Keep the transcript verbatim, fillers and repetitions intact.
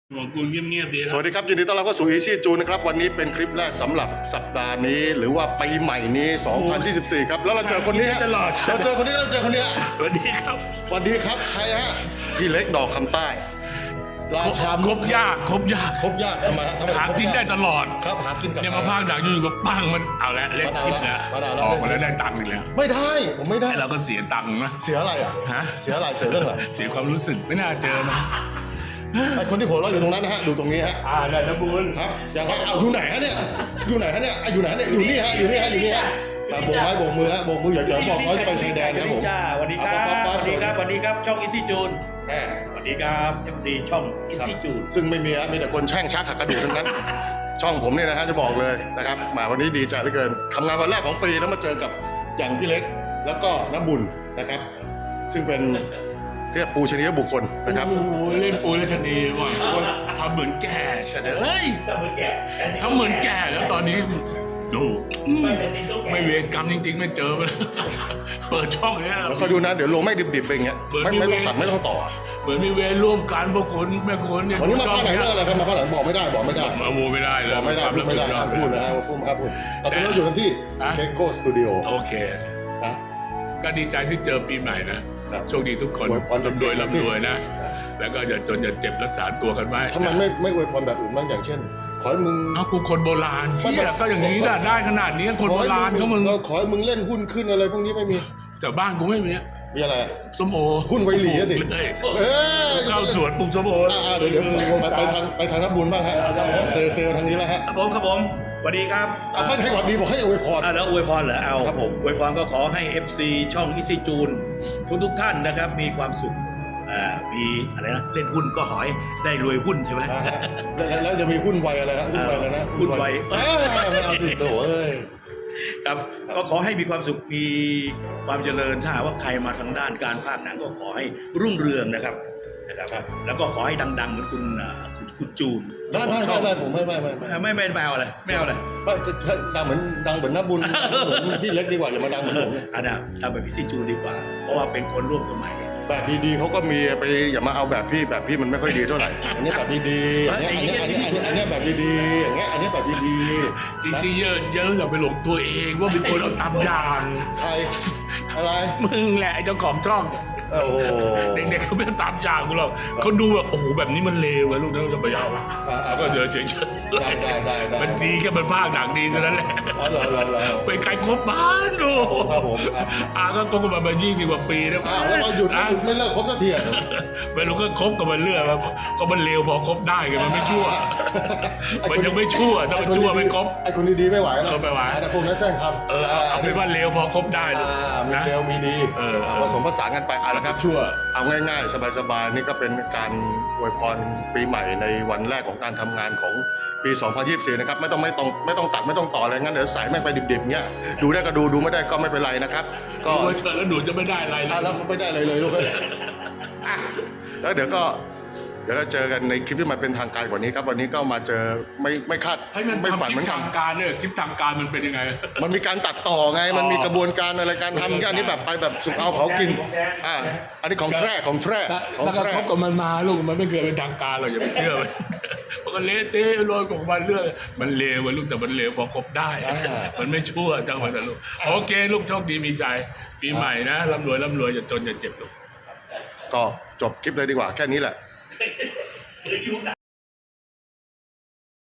ของกูเงียบๆดีสวัสดีครับยินดีต้อนรับเข้าสู่ Easy June นะครับวันนี้เป็นคลิปแรกสำหรับสัปดาห์นี้หรือว่าปีใหม่นี้สองพันยี่สิบสี่ครับแล้วเราเจอคนนี้ฮะเราเจอคนนี้เราเจอคนนี้สวัสดีครับสวัสดีครับใครฮะพี่เล็กดอกคำใต้ราชาครบยากครบยากครบยากทำไมฮะทำไมหากินได้ตลอดครับหากินกับเนี่ยมาพากดักอยู่กับปังมันเอาละเล่นคลิปนะออกมาแล้วได้ตังค์อีกแล้วไม่ได้ผมไม่ได้เราก็เสียตังค์นะเสียอะไรอ่ะฮะเสียอะไรเสียเรื่องอะไรเสียความรู้สึกไม่น่าเจอนะไอคนที่หัวเราะอยู่ตรงนั้นนะฮะดูตรงนี้ฮะอ่าได้นะบุญครับอย่างไรเอาอยู่ไหนฮะเนี่ยอยู่ไหนฮะเนี่ยอยู่ไหนเนี่ยอยู่นี่ฮะอยู่นี่ฮะอยู่นี่ฮะโบกไม้โบกมือฮะโบกมืออย่าอย่าบอกน้อยจะไปชายแดนครับผมสวัสดีครับสวัสดีครับสวัสดีครับช่อง Easy June แม่สวัสดีครับเอฟซีช่อง Easy June ซึ่งไม่มีฮะมีแต่คนแช่งชักหักกระดูกทั้งนั้น ช่องผมเนี่ยนะฮะจะบอกเลยนะครับมาวันนี้ดีใจเหลือเกินทำงานวันแรกของปีแล้วมาเจอกับอย่างพี่เล็กแล้วก็น้ำบุญนะครับ ซึ่งเป็นเรียกปูชนียบุคคลนะครับโอ้โหเล่นปูและชนีว่ะทำเหมือนแก่เฉยเฮ้ยทำเหมือนแก่ทำเหมือนแก่แล้วตอนนี้ดูไม่เวรกรรมจริงๆไม่เจอมันเปิดช่องเนี้ยแล้วคอยดูนะเดี๋ยวลงไม่ดิบๆไปอย่างเงี้ยไม่ไม่ต้องตัดไม่ต้องต่อเหมือนมีเวรร่วมกันพวกคนแม่คนเนี่ยวันนี้มาข้างไหนเรื่องอะไรครับมาข้างไหนบอกไม่ได้บอกไม่ได้มาโมไม่ได้เลยบอกไม่ได้พูดไม่ได้ห้ามพูดนะฮะพูดห้ามพูดแต่ตอนนี้เราอยู่กันที่เคโก้สตูดิโอโอเคนะก็ดีใจที่เจอปีใหม่นะครับ โชคดีทุกคนอวยพรร่ำรวยร่ำรวยนะ แล้วก็อย่าจนอย่าเจ็บรักษาตัวกันไว้ทำไมไม่ไม่อวยพรแบบอื่นบ้างอย่างเช่น ขอให้มึงเอากูคนโบราณเชี่ยก็อย่างนี้น่ะได้ขนาดนี้คนโบราณเขามึงขอให้มึงเล่นหุ้นขึ้นอะไรพวกนี้ไม่มีแต่บ้านกูไม่มีมีอะไรส้มโอหุ้นไวหลีอะดิเลยเออเข้าสวนปลูกส้มโออ่าเดี๋ยวเดี๋ยวไปไปทางไปทางนับบุญบ้างฮะเซลเซลทางนี้แล้วฮะครับผมครับผมสวัสดีครับอ่ะไม่ให้หวัดดีบอกให้อวยพรอ่าแล้วอวยพรเหรอเอาครับผมอวยพรก็ขอให้ เอฟ ซี ช่อง Easy June ทุกทุกๆท่านนะครับมีความสุขอ่ามีอะไรนะเล่นหุ้นก็ขอให้ได้รวยหุ้นใช่ไหมนะฮะแล้วแล้วจะมีหุ้นไวอะไรฮะหุ้นไวอะไรนะหุ้นไวเอ้ยไม่เอาสิโถ่เอ้ยครับก็ขอให้มีความสุขมีความเจริญถ้าหากว่าใครมาทางด้านการภาคหนังก็ขอให้รุ่งเรืองนะครับนะครับครับแล้วก็ขอให้ดังๆเหมือนคุณอ่าคุณคุณจูนไม่ไม่ไม่ไม่ผมไม่ไม่ไม่ไม่ไม่ไม่ไม่เอาอะไรไม่เอาอะไรไม่จะจะดังเหมือนดังเหมือนนับบุญเหมือนพี่เล็กดีกว่าอย่ามาดังเหมือนผมเลยอันน่ะทำแบบพี่ซีจูนดีกว่า เพราะว่าเป็นคนร่วมสมัยแบบดีๆเขาก็มีไปอย่ามาเอาแบบพี่แบบพี่มันไม่ค่อยดีเท่าไหร่อันนี้แบบดีๆอันนี้อันนี้อันนี้อันนี้อันนี้แบบดีๆอย่างเงี้ยอันนี้แบบดีๆจริงๆเยอะเยอะอย่าไปหลงตัวเองว่าเป็นคนเอาตามอย่างใครอะไรมึงแหละไอ้เจ้าของช่องโอ้โหเด็กๆเขาไม่ตามอย่างกูหรอกเขาดูแบบโอ้โหแบบนี้มันเลวอะลูกนั่นจะไปเอาแล้วก็เดินเฉยๆได้ได้ได้ได้มันดีแค่มันภาคหนังดีเท่านั้นแหละอ๋อเหรอเหรอเหรอไปไกลครบบ้านดูครับผมครับอาก็คบกันมาเป็นยี่สิบกว่าปีแล้วอ้าวแล้วมาหยุดไม่หยุดไม่เลิกครบสักทีอ่ะไม่รู้ก็คบกับมันเรื่อยครับก็มันเลวพอคบได้ไงมันไม่ชั่ว มันยังไม่ชั่วถ้ามันชั่วไม่คบไอ้คนดีๆไม่ไหวแล้วเออไม่ไหวแต่พวกนั้นแซงคำเออเอาเป็นว่าเลวพอคบได้ลูกอ่ามีนะเร็วมีดีเออผสมผสานกันไปเอาละครับชั่วเอาง่ายๆ สบายๆ นี่ก็เป็นการอวยพรปีใหม่ในวันแรกของการทำงานของปี สองพันยี่สิบสี่ นะครับ ไม่ต้องไม่ต้องไม่ต้องตัดไม่ต้องต่ออะไรงั้นเดี๋ยวใส่แม่งไปดิบๆเงี้ยดูได้ก็ดูดูไม่ได้ก็ไม่เป็นไรนะครับ ก็ดูมาเถอะแล้วหนูจะไม่ได้อะไรเลอ่ะยแล้วไม่ได้เลยเลยลูกเอ้ยอ่ะแล้วเดี๋ยวก็เดี๋ยวเราเจอกันในคลิปที่มันเป็นทางการกว่านี้ครับวันนี้ก็มาเจอไม่ไม่คาดให้มันไม่ทำฝันคเหลิมืปอนกันทางการเนี่ยคลิปทางการมันเป็นยังไงมันมีการตัดต่อไง มันมีกระบวนการอะไรการทำอันนี้แบบไปแบบสุกเอาเผากิน อ่า อันนี้ของแท้ของแท้ของแล้วก็แท้คบกับมันมาลูกมันไม่เคยเป็นทางการหรอกอย่าไปเชื่อมันมันก็เละเทะโรยของมันเรื่องมันเลวอะลูกแต่มันเลวพอคบได้ มันไม่ชั่วจังหวะแต่ลูกโอเคลูกโชคดีมีใจปีใหม่นะร่ำรวยร่ำรวยอย่าจนอย่าเจ็บลูกก็จบคลิปเลยดีกว่าแค่นี้แหละ